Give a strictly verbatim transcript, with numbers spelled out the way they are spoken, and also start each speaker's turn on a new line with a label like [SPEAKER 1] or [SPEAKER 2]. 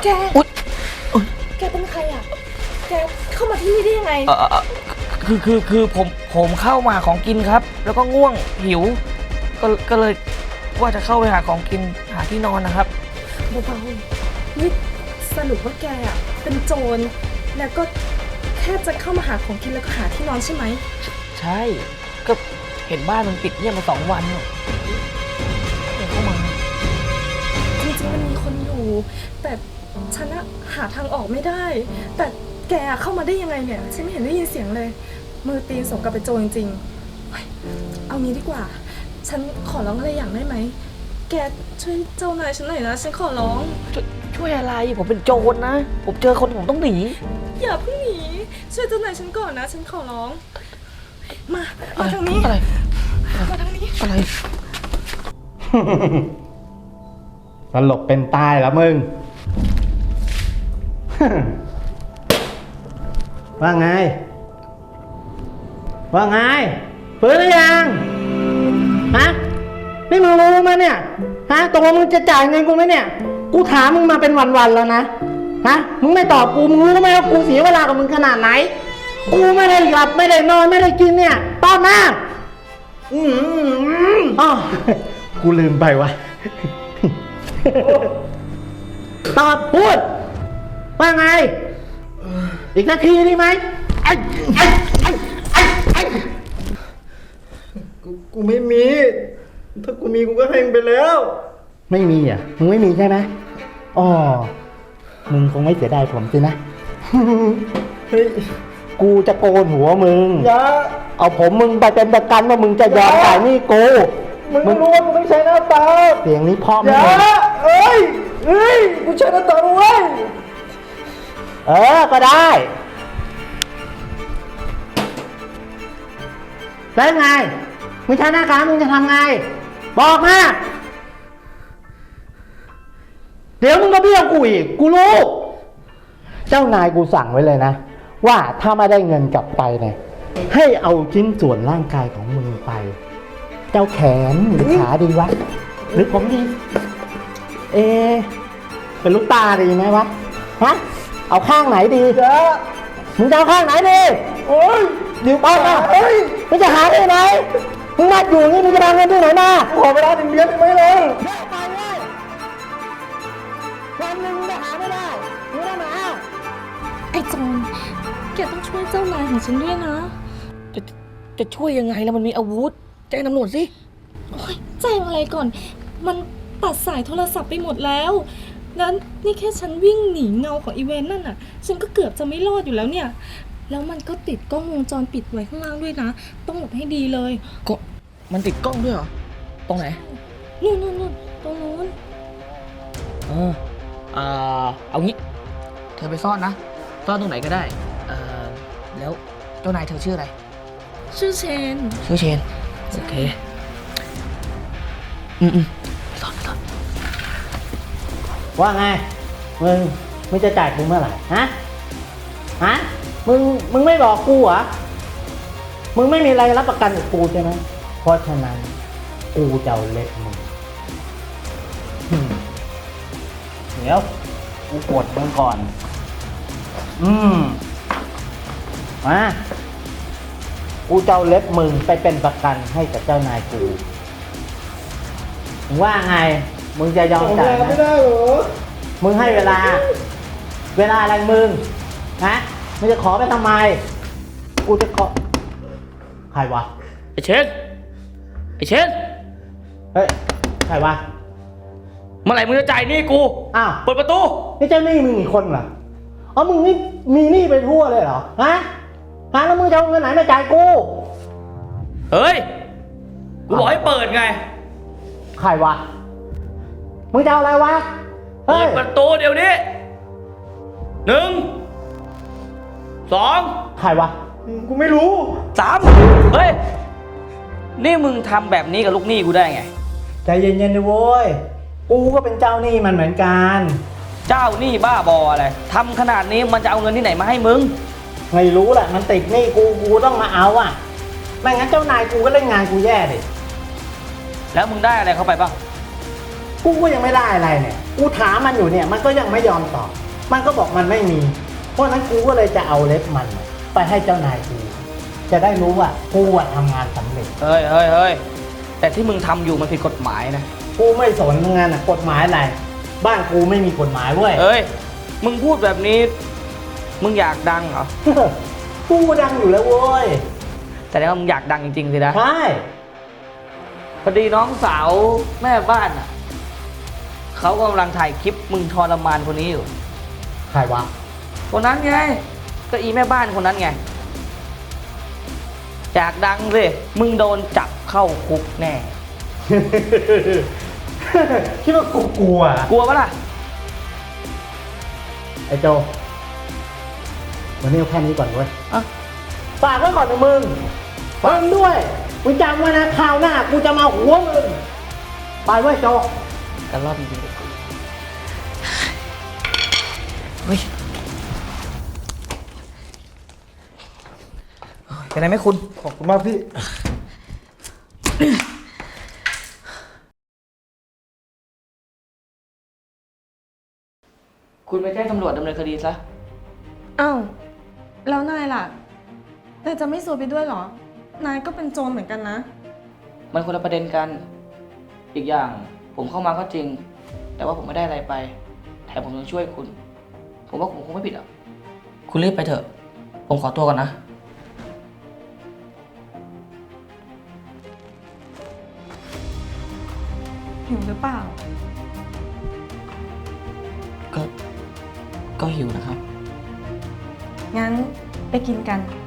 [SPEAKER 1] แกแกเป็นใครอ่ะแกเข้ามาที่นี่ได้ยังไง
[SPEAKER 2] เออคือคือคือผมผมเข้ามาของกินครับ แล้วก็ง่วงหิวก็ก็เลยว่าจะเข้าไปหาของกินหาที่นอนนะครับ
[SPEAKER 1] เบาๆนี่สรุปว่าแกอ่ะเป็นโจรแล้วก็แค่จะเข้ามาหาของกินแล้วก็หาที่นอนใช่ไหม
[SPEAKER 2] ใช่ก็เห็นบ้านมันปิดเงียบมาสองวันเนี่ยเดินเข้ามา
[SPEAKER 1] จริงๆมันมีคนอยู่แต่ฉันอะหาทางออกไม่ได้แต่แกเข้ามาได้ยังไงเนี่ยฉันไม่เห็นได้ยินเสียงเลยมือตีนสมกับเป็นโจรจริงๆเอางี้ดีกว่าฉันขอร้องอะไรอย่างได้ไหมแกช่วยเจ้านายฉันหน่อยนะฉันขอร้อง
[SPEAKER 2] ช่วยช่วยอะไรผมเป็นโจรนะผมเจอคนผมต้องหนี
[SPEAKER 1] อย่าเพิ่งหนีช่วยเจ้านายฉันก่อนนะฉันขอร้องมามาทางนี้
[SPEAKER 2] อะไร
[SPEAKER 1] มาทางนี้
[SPEAKER 2] อะไร
[SPEAKER 3] สลบเป็นตายแล้วมึงว่าไงว่าไงฟื้นหรือยังฮะนี่มึงรู้ไหมเนี่ยฮะตกลงมึงจะจ่ายเงินกูไหมเนี่ยกูถามมึงมาเป็นวันๆแล้วนะฮะมึงไม่ตอบกูมึงรู้ไหมว่ากูเสียเวลากับมึงขนาดไหนกูไม่ได้หลับไม่ได้นอนไม่ได้กินเนี่ยตอบมาอืมอ๋อกูลืมไปวะตอบพูดว่าไงอีกนาทีได้ไหมไอ้ไอ้ไอ้ไอ้ไอ้กูกูไม่มีถ้ากูมีกูก็ให้มึงไปแล้วไม่มีอ่ะมึงไม่มีใช่ไหมอ๋อมึงคงไม่เสียดายผมสินะเฮ้ยกูจะโกนหัวมึงอย่าเอาผมมึงไปเป็นประกันว่ามึงจะยอมจ่ายหนี้กูมึงรู้ว่ากูไม่ใช่หน้าตาเสียงนี้พ่อมึงเอ้ยเอ้ยกูใช้หน้าตาเว้ยเออก็ได้แล้วไงมึงใช้หน้าการมึงจะทำไงบอกมาเดี๋ยวมึงก็เบี้ยวกูอีกกูรู้เจ้านายกูสั่งไว้เลยนะว่าถ้าไม่ได้เงินกลับไปเนี่ยให้เอาชิ้นส่วนร่างกายของมึงไปเจ้าแขนหรือขาดีวะหรือผมดีเอเป็นลูกตาดีไหมวะฮะเอาข้างไหนดีเจ้ามึงจะเอาข้างไหนดีโอ้ยเดี๋ยวป้าเฮ้ยมึงจะหาที่ไหนมึงมาอยู่นี่มึงจะเอาเงินที่ไหนมาขอเวลาหนึ่งเดือนได้ไหมเลยไปเลยวันหนึ่งมึงหาไม่ได้มึงได้มา
[SPEAKER 1] ไอ้โจรแกต้องช่วยเจ้านายของฉันด้วยนะ
[SPEAKER 2] จะจะช่วยยังไงแล้วมันมีอาวุธแจ้งตำรวจสิ
[SPEAKER 1] โอ๊ยแจ้งอะไรก่อนมันตัดสายโทรศัพท์ไปหมดแล้วแล้วนี่แค่ฉันวิ่งหนีเงาของอีเวนต์นั่นน่ะฉันก็เกือบจะไม่รอดอยู่แล้วเนี่ยแล้วมันก็ติดกล้องวงจรปิดไว้ข้างล่างด้วยนะต้องหลบให้ดีเลย
[SPEAKER 2] ก็มันติดกล้องด้วยเหรอตรงไหน
[SPEAKER 1] นู่นนู่นนู่นตรงนู้น
[SPEAKER 2] เออเออเอางี้เธอไปซ่อนนะซ่อนตรงไหนก็ได้เออแล้วเจ้านายเธอชื่ออะไร
[SPEAKER 1] ชื่อเชน
[SPEAKER 2] ชื่อเชนโอเคอืมอืมซ่อนซ่อน
[SPEAKER 3] ว่าไงมึงมึงจะจ่ายกูเมื่อไหร่ฮะฮะมึงมึงไม่บอกกูเหรอมึงไม่มีอะไรรับประกันกับกูใช่ไหมเพราะฉะนั้นกูจะเอาเล็บมึงเดี๋ยวกูกดมึงก่อนอืมมากูจะเอาเล็บมึงไปเป็นประกันให้กับเจ้านายกูมึงว่าไงมึงจะยอมจ่ายไหมไม่ได้หรอมึงให้เวลาเวลาอะไรมึงฮะมึงจะขอไปทำไมกูจะขอใครวะ
[SPEAKER 2] ไอเชนไอเชน
[SPEAKER 3] เฮ้ยใครวะ
[SPEAKER 2] เมื่อไหร่มึงจะจ่ายหนี้กู
[SPEAKER 3] อ้าว
[SPEAKER 2] เปิดประตู
[SPEAKER 3] นี่เจ้าหนี้มึงอีกคนเหรออ๋อมึงนี่มีหนี้ไปทั่วเลยเหรอฮะฮะแล้วมึงจะเอาเงินไหนมาจ่ายกู
[SPEAKER 2] เฮ้ยกูบอกให้เปิดไง
[SPEAKER 3] ใครวะมึงจะเอาอะไรวะ
[SPEAKER 2] เปิดประตูเดี๋ยวนี้หนึ่งสอง
[SPEAKER 3] ใครวะกูไม่รู้
[SPEAKER 2] สามเฮ้ยนี่มึงทำแบบนี้กับลูกหนี้กูได้ไง
[SPEAKER 3] ใจเย็นๆดิโว้ยกูก็เป็นเจ้าหนี้มันเหมือนกัน
[SPEAKER 2] เจ้าหนี้บ้าบออะไรทำขนาดนี้มันจะเอาเงินที่ไหนมาให้มึง
[SPEAKER 3] ไม่รู้แหละมันติดหนี้กูกูต้องมาเอาอ่ะไม่งั้นเจ้านายกูก็เล่นงานกูแย่ดิ
[SPEAKER 2] แล้วมึงได้อะไรเข้าไปบ้าง
[SPEAKER 3] กูก็ยังไม่ได้อะไรเนี่ยกูถามมันอยู่เนี่ย มันก็ยังไม่ยอมตอบ มันก็บอกมันไม่มี เพราะฉะนั้นกูก็เลยจะเอาเล็บมันไปให้เจ้านายกู จะได้รู้ว่ากูอะทำงานสำเร็จ
[SPEAKER 2] เฮ้ยเฮ้ยเฮ้ยแต่ที่มึงทำอยู่มันผิดกฎหมายนะ
[SPEAKER 3] กูไม่สนงานอะกฎหมายอะไร บ้านกูไม่มีกฎหมายเว้ย
[SPEAKER 2] เอ้ย มึงพูดแบบนี้ มึงอยากดังเหรอ
[SPEAKER 3] กูดังอยู่แล้วเว้ย
[SPEAKER 2] แต่แล้วามึงอยากดังจริงๆสินะ
[SPEAKER 3] ใช่
[SPEAKER 2] พอดีน้องสาวแม่บ้านอ่ะเขากำลังถ่ายคลิปมึงทรมานคนนี้อยู่
[SPEAKER 3] ใครวะ
[SPEAKER 2] คนนั้นไง ก็อีแม่บ้านคนนั้นไง อยากดังสิ มึงโดนจับเข้าคุกแน่
[SPEAKER 3] คิดว่ากูกลัว
[SPEAKER 2] กลัวปะล่ะ
[SPEAKER 3] ไอ้โจ วันนี้เอาแค่นี้ก่อนเว้ย
[SPEAKER 2] อ่ะ
[SPEAKER 3] ฝากไว้ก่อนนะมึงฟังด้วย มึงจำไว้นะคราวหน้ากูจะมาหัวมึง ไปเว้ยโจ
[SPEAKER 2] กันรอบจริงๆเฮ้ยเป็นไรไหมคุณ
[SPEAKER 3] ขอบคุณมากพี่
[SPEAKER 2] คุณไปแจ้งตำรวจดำเนินคดีซะ
[SPEAKER 1] อ้าวแล้วนายล่ะนายจะไม่ซวยไปด้วยเหรอ นายก็เป็นโจรเหมือนกันนะ
[SPEAKER 2] มันคนละประเด็นกัน อีกอย่างผมเข้ามาก็จริง แต่ว่าผมไม่ได้อะไรไป แถมผมยังช่วยคุณ ผมว่าผมคงไม่ผิดอ่ะ คุณรีบไปเถอะ ผมขอตัวก่อนนะ
[SPEAKER 1] หิวหรือเปล่า
[SPEAKER 2] ก็ ก็หิวนะครับ
[SPEAKER 1] งั้นไปกินกัน